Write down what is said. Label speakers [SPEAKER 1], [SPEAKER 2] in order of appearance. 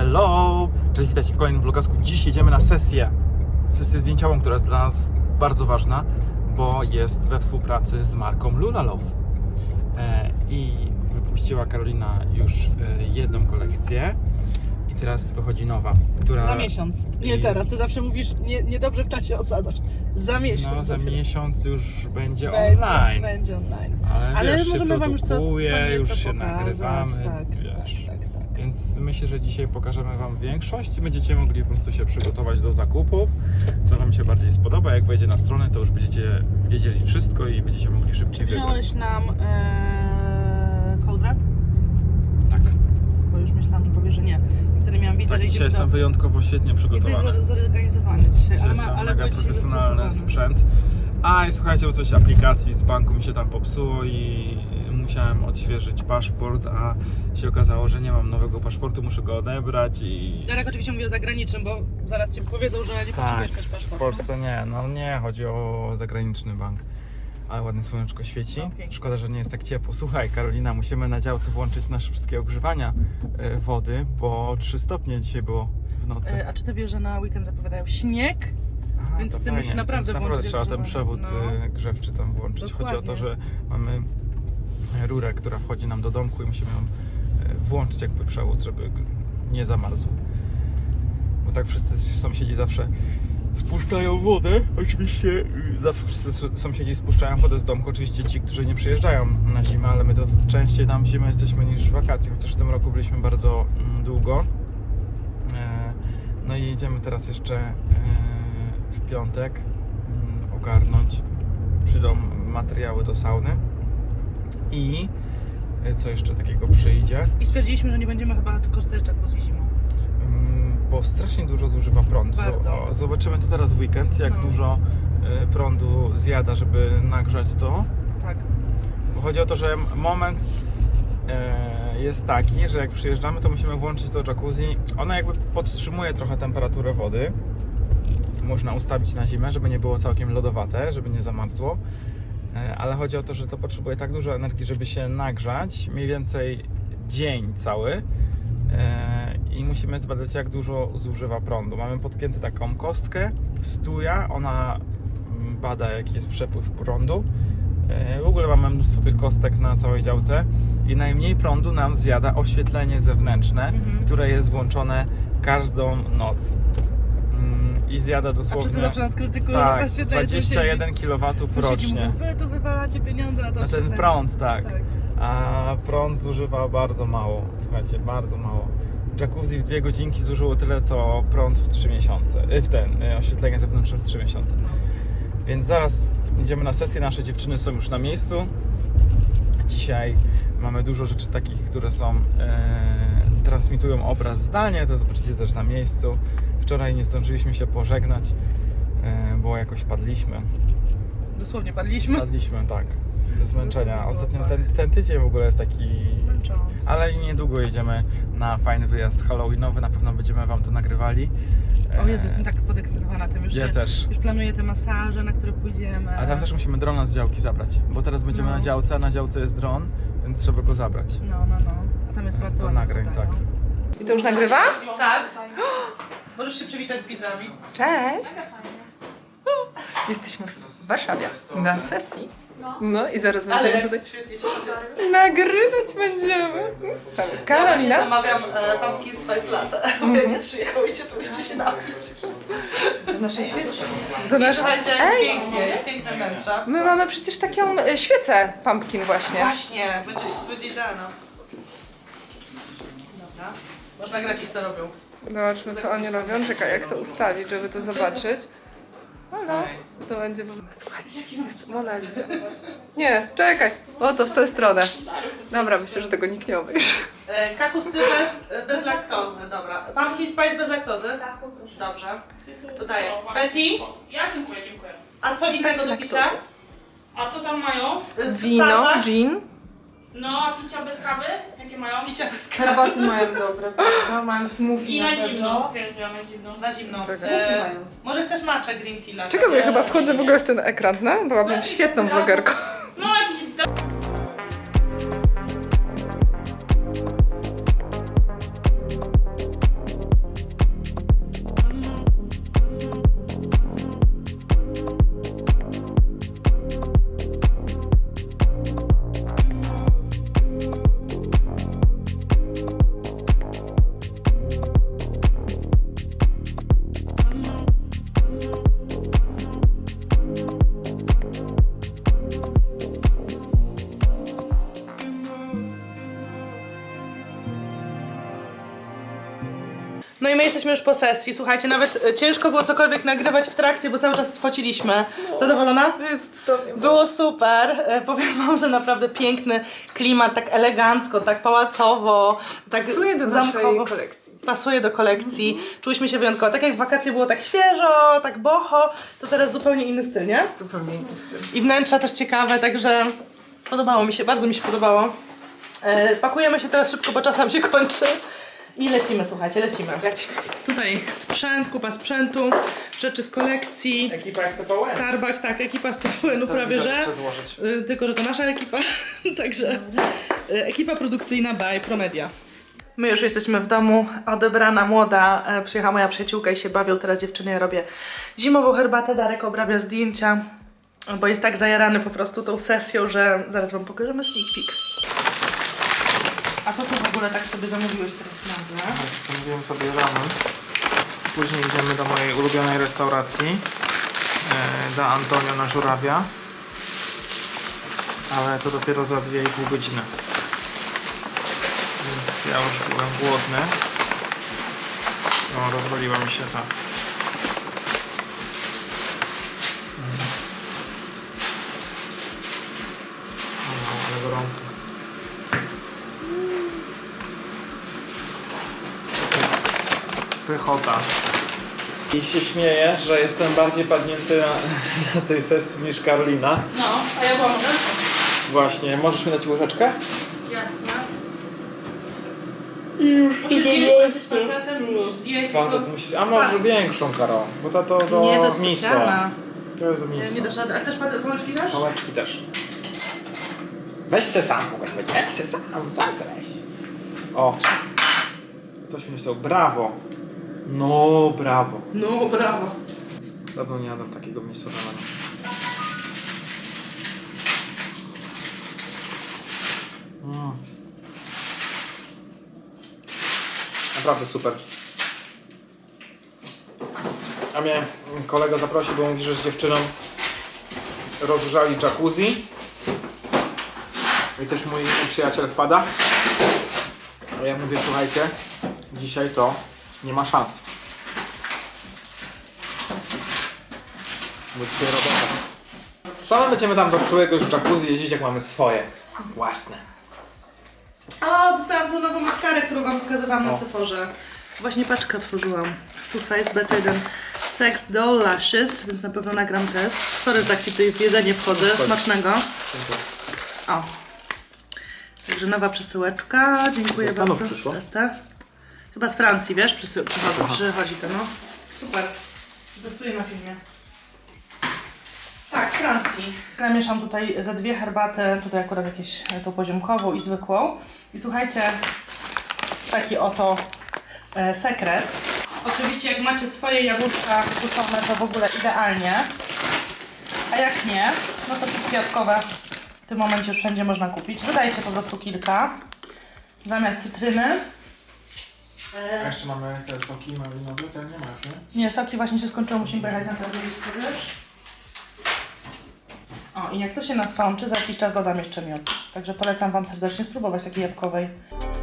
[SPEAKER 1] Hello! Cześć, witajcie w kolejnym vlogasku. Dziś jedziemy na sesję zdjęciową, która jest dla nas bardzo ważna, bo jest we współpracy z marką Lulalove. I wypuściła Karolina już jedną kolekcję i teraz wychodzi nowa, która...
[SPEAKER 2] Za miesiąc. Nie teraz, ty zawsze mówisz, niedobrze w czasie osadzasz. Za miesiąc.
[SPEAKER 1] No za miesiąc już będzie
[SPEAKER 2] online.
[SPEAKER 1] online.
[SPEAKER 2] Będzie online.
[SPEAKER 1] Ale wiesz,
[SPEAKER 2] możemy
[SPEAKER 1] się
[SPEAKER 2] wam już co
[SPEAKER 1] już się
[SPEAKER 2] pokazać.
[SPEAKER 1] nagrywamy,
[SPEAKER 2] Tak,
[SPEAKER 1] wiesz.
[SPEAKER 2] tak.
[SPEAKER 1] Więc myślę, że dzisiaj pokażemy wam większość i będziecie mogli po prostu się przygotować do zakupów, co wam się bardziej spodoba. Jak wejdzie na stronę, to już będziecie wiedzieli wszystko i będziecie mogli szybciej wybrać.
[SPEAKER 2] Wziąłeś nam kołdrę?
[SPEAKER 1] Tak.
[SPEAKER 2] Bo już myślałam, że powiesz, że nie. I wtedy miałam wiedzę,
[SPEAKER 1] Tak,
[SPEAKER 2] że
[SPEAKER 1] dzisiaj
[SPEAKER 2] idziemy
[SPEAKER 1] jestem wyjątkowo świetnie przygotowany.
[SPEAKER 2] Jesteś zorganizowany dzisiaj,
[SPEAKER 1] Dzisiaj
[SPEAKER 2] ale,
[SPEAKER 1] jest
[SPEAKER 2] ale
[SPEAKER 1] mega
[SPEAKER 2] byłeś
[SPEAKER 1] profesjonalny
[SPEAKER 2] zestresowany.
[SPEAKER 1] sprzęt. A i słuchajcie, bo coś aplikacji z banku mi się tam popsuło i musiałem odświeżyć paszport, a się okazało, że nie mam nowego paszportu, muszę go odebrać i...
[SPEAKER 2] Darek oczywiście mówi o zagranicznym, bo zaraz ci powiedzą, że nie potrzebujesz mieć
[SPEAKER 1] w
[SPEAKER 2] paszportu.
[SPEAKER 1] Polsce nie, no nie, chodzi o zagraniczny bank. Ale ładne słoneczko świeci.
[SPEAKER 2] No, pięknie.
[SPEAKER 1] Szkoda, że nie jest tak ciepło. Słuchaj, Karolina, musimy na działce włączyć nasze wszystkie ogrzewania wody, bo 3 stopnie dzisiaj było w nocy.
[SPEAKER 2] A czy ty wiesz, że na weekend zapowiadają śnieg?
[SPEAKER 1] Aha,
[SPEAKER 2] więc
[SPEAKER 1] to
[SPEAKER 2] ty
[SPEAKER 1] fajnie.
[SPEAKER 2] musisz naprawdę
[SPEAKER 1] Więc
[SPEAKER 2] włączyć
[SPEAKER 1] trzeba ten
[SPEAKER 2] ogrzewanie.
[SPEAKER 1] przewód grzewczy tam włączyć. Chodzi o to,
[SPEAKER 2] Dokładnie.
[SPEAKER 1] że mamy rurę, która wchodzi nam do domku i musimy ją włączyć jakby przewód, żeby nie zamarzł. Bo tak wszyscy sąsiedzi zawsze spuszczają wodę. Oczywiście zawsze wszyscy sąsiedzi spuszczają wodę z domku. Oczywiście ci, którzy nie przyjeżdżają na zimę, ale my to częściej tam w zimę jesteśmy niż w wakacje, chociaż w tym roku byliśmy bardzo długo. No i jedziemy teraz jeszcze w piątek ogarnąć. Przyjdą materiały do sauny i co jeszcze takiego przyjdzie?
[SPEAKER 2] I stwierdziliśmy, że nie będziemy chyba korzystać z jacuzzi zimą.
[SPEAKER 1] Bo strasznie dużo zużywa prądu.
[SPEAKER 2] Bardzo.
[SPEAKER 1] Zobaczymy to teraz w weekend, jak dużo prądu zjada, żeby nagrzać to.
[SPEAKER 2] Tak.
[SPEAKER 1] Bo chodzi o to, że moment jest taki, że jak przyjeżdżamy, to musimy włączyć to jacuzzi. Ono jakby podtrzymuje trochę temperaturę wody. Można ustawić na zimę, żeby nie było całkiem lodowate, żeby nie zamarzło. Ale chodzi o to, że to potrzebuje tak dużo energii, żeby się nagrzać. Mniej więcej dzień cały. I musimy zbadać, jak dużo zużywa prądu. Mamy podpiętą taką kostkę z tuja, ona bada, jaki jest przepływ prądu. W ogóle mamy mnóstwo tych kostek na całej działce i najmniej prądu nam zjada oświetlenie zewnętrzne, które jest włączone każdą noc. I zjada dosłownie...
[SPEAKER 2] A wszyscy zawsze nas krytykują,
[SPEAKER 1] tak,
[SPEAKER 2] że ta świetla
[SPEAKER 1] 21 kW rocznie.
[SPEAKER 2] Mówią, wy tu wywalacie pieniądze na to
[SPEAKER 1] Na ten
[SPEAKER 2] oświetlenie.
[SPEAKER 1] prąd, tak. A prąd zużywa bardzo mało, słuchajcie, bardzo mało. Jacuzzi w 2 godzinki zużyło tyle, co prąd w 3 miesiące, oświetlenie zewnętrzne w 3 miesiące. Więc zaraz idziemy na sesję, nasze dziewczyny są już na miejscu. Dzisiaj mamy dużo rzeczy takich, które są, transmitują obraz zdalnie, to zobaczycie też na miejscu. Wczoraj nie zdążyliśmy się pożegnać, bo jakoś padliśmy.
[SPEAKER 2] Dosłownie padliśmy.
[SPEAKER 1] Padliśmy, tak. Ze zmęczenia. Ostatnio ten tydzień w ogóle jest taki...
[SPEAKER 2] Męczący.
[SPEAKER 1] Ale niedługo jedziemy na fajny wyjazd halloweenowy, na pewno będziemy wam to nagrywali.
[SPEAKER 2] O Jezu, jestem tak podekscytowana tym już.
[SPEAKER 1] Ja też.
[SPEAKER 2] Już planuję te masaże, na które pójdziemy.
[SPEAKER 1] A tam też musimy drona z działki zabrać, bo teraz będziemy na działce, a na działce jest dron, więc trzeba go zabrać.
[SPEAKER 2] No. A tam jest bardzo
[SPEAKER 1] To
[SPEAKER 2] ładnie
[SPEAKER 1] nagrań,
[SPEAKER 2] tutaj,
[SPEAKER 1] tak.
[SPEAKER 2] no.
[SPEAKER 3] I to już nagrywa?
[SPEAKER 2] Tak. Możesz się przywitać z widzami.
[SPEAKER 3] Cześć! Jesteśmy w Warszawie na sesji. No i zaraz będziemy tutaj
[SPEAKER 2] świetnie się idzie.
[SPEAKER 3] nagrywać będziemy. Tam jest Karolina.
[SPEAKER 2] Zamawiam pumpkin spice latte. Jak nie przyjechałyście, to musicie się napić.
[SPEAKER 3] Do naszej świeci. Do naszej...
[SPEAKER 2] Słuchajcie, jest pięknie, jest piękne wnętrze.
[SPEAKER 3] My mamy przecież taką świecę pumpkin właśnie.
[SPEAKER 2] Właśnie, będzie idealna. Dobra. Można grać ich co robią.
[SPEAKER 3] Zobaczmy co oni robią. Czekaj, jak to ustawić, żeby to zobaczyć. No, to będzie... Słuchajcie, jest Mona Lisa. Nie, czekaj. O, to w tę stronę. Dobra, myślę, że tego nikt nie obejrzy.
[SPEAKER 2] Kakusty bez laktozy, dobra. Pumpkin spice bez laktozy? Tak, poproszę. Dobrze. To daję. Betty?
[SPEAKER 4] Ja dziękuję.
[SPEAKER 2] A co innego do picia?
[SPEAKER 4] A co tam mają?
[SPEAKER 3] Wino,
[SPEAKER 2] Starbucks?
[SPEAKER 3] gin.
[SPEAKER 4] No, a picia bez kawy? Jakie mają?
[SPEAKER 2] Picia bez kawy.
[SPEAKER 3] Herbaty mają dobre. No, mają smoothie
[SPEAKER 4] I na
[SPEAKER 3] pewno.
[SPEAKER 4] zimno, wiesz, ja na zimno.
[SPEAKER 2] Na zimno.
[SPEAKER 3] Czekaj.
[SPEAKER 2] Może chcesz matcha green tea?
[SPEAKER 3] Czekaj, bo ja chyba wchodzę w ogóle w ten ekran, no? Byłabym świetną vlogerką.
[SPEAKER 4] No, jakiś...
[SPEAKER 2] No i my jesteśmy już po sesji. Słuchajcie, nawet ciężko było cokolwiek nagrywać w trakcie, bo cały czas fociliśmy. Zadowolona?
[SPEAKER 3] Jest cudownie.
[SPEAKER 2] Było super. Powiem wam, że naprawdę piękny klimat, tak elegancko, tak pałacowo, tak
[SPEAKER 3] Pasuje do naszej kolekcji.
[SPEAKER 2] Pasuje do kolekcji. Czuliśmy się wyjątkowo. Tak jak w wakacje było tak świeżo, tak boho, to teraz zupełnie inny styl, nie?
[SPEAKER 3] Zupełnie inny styl.
[SPEAKER 2] I wnętrza też ciekawe, także podobało mi się, bardzo mi się podobało. Pakujemy się teraz szybko, bo czas nam się kończy. I lecimy, słuchajcie, lecimy. Tutaj sprzęt, kupa sprzętu, rzeczy z kolekcji.
[SPEAKER 1] Ekipa jak z TVN.
[SPEAKER 2] Starbucks, tak, ekipa z TVN-u prawie, że.
[SPEAKER 1] Chcę złożyć.
[SPEAKER 2] Tylko, że to nasza ekipa, także ekipa produkcyjna by Promedia. My już jesteśmy w domu, odebrana młoda, przyjechała moja przyjaciółka i się bawią, teraz dziewczyny, ja robię zimową herbatę, Darek obrabia zdjęcia, bo jest tak zajarany po prostu tą sesją, że zaraz wam pokażemy sneak peek. A co tu w ogóle tak sobie zamówiłeś teraz nagle?
[SPEAKER 1] Zamówiłem sobie ramen. Później idziemy do mojej ulubionej restauracji. Da Antonio na Żurawia. Ale to dopiero za 2,5 godziny. Więc ja już byłem głodny. No, rozwaliła mi się ta. Ale gorąco. Pychota. I się śmiejesz, że jestem bardziej padnięty na tej sesji niż Karolina.
[SPEAKER 2] No, a ja pomogę?
[SPEAKER 1] Właśnie, możesz mi dać łyżeczkę?
[SPEAKER 2] Jasne.
[SPEAKER 1] I już
[SPEAKER 2] Musisz zjeść z facetem, musisz zjeść.
[SPEAKER 1] Facet musisz... A może większą, Karol, bo to do
[SPEAKER 2] Nie, to jest
[SPEAKER 1] miso.
[SPEAKER 2] specjalna.
[SPEAKER 1] To jest do
[SPEAKER 2] Nie,
[SPEAKER 1] miso.
[SPEAKER 2] nie dasz rady. A chcesz pałeczki też?
[SPEAKER 1] Pałeczki też. Weź se sam, kogoś będzie. Weź se sam se weź. O. Ktoś mi napisał, brawo. No, brawo.
[SPEAKER 2] No, brawo.
[SPEAKER 1] Dawno nie jadłem takiego miejscowego. Naprawdę super. A mnie kolega zaprosił, bo mówi, że z dziewczyną rozgrzali jacuzzi. I też mój przyjaciel wpada. A ja mówię, słuchajcie, dzisiaj to nie ma szans. Bo dzisiaj robota. Co my będziemy tam do przyszłego jacuzzi jeździć, jak mamy swoje? Własne.
[SPEAKER 2] O, dostałam tą nową maskarę, którą wam pokazywałam na
[SPEAKER 1] O.
[SPEAKER 2] Sephorze. Właśnie paczkę otworzyłam. Z Too Faced Better Than Sex Doll Lashes, więc na pewno nagram test. Sorry, że tak ci tutaj w jedzenie wchodzę. Smacznego. O. Także nowa przesyłeczka. Dziękuję
[SPEAKER 1] Ze Stanów
[SPEAKER 2] bardzo.
[SPEAKER 1] przyszło?
[SPEAKER 2] Zestaw. Chyba z Francji, wiesz?
[SPEAKER 1] Aha.
[SPEAKER 2] Przychodzi to, no. Super. Testuję na filmie. Tak, z Francji. Ja mieszam tutaj ze 2 herbaty, tutaj akurat jakieś tą poziomkową i zwykłą. I słuchajcie, taki oto sekret. Oczywiście jak macie swoje jabłuszka kuszone, to w ogóle idealnie. A jak nie, no to chipsy jabłkowe w tym momencie już wszędzie można kupić. Dodajcie po prostu kilka zamiast cytryny.
[SPEAKER 1] A jeszcze mamy te soki malinowe, te nie ma już, nie?
[SPEAKER 2] Nie, soki właśnie się skończyły, musimy pojechać na targowisko, wiesz? O, i jak to się nasączy, za jakiś czas dodam jeszcze miód. Także polecam wam serdecznie spróbować takiej jabłkowej.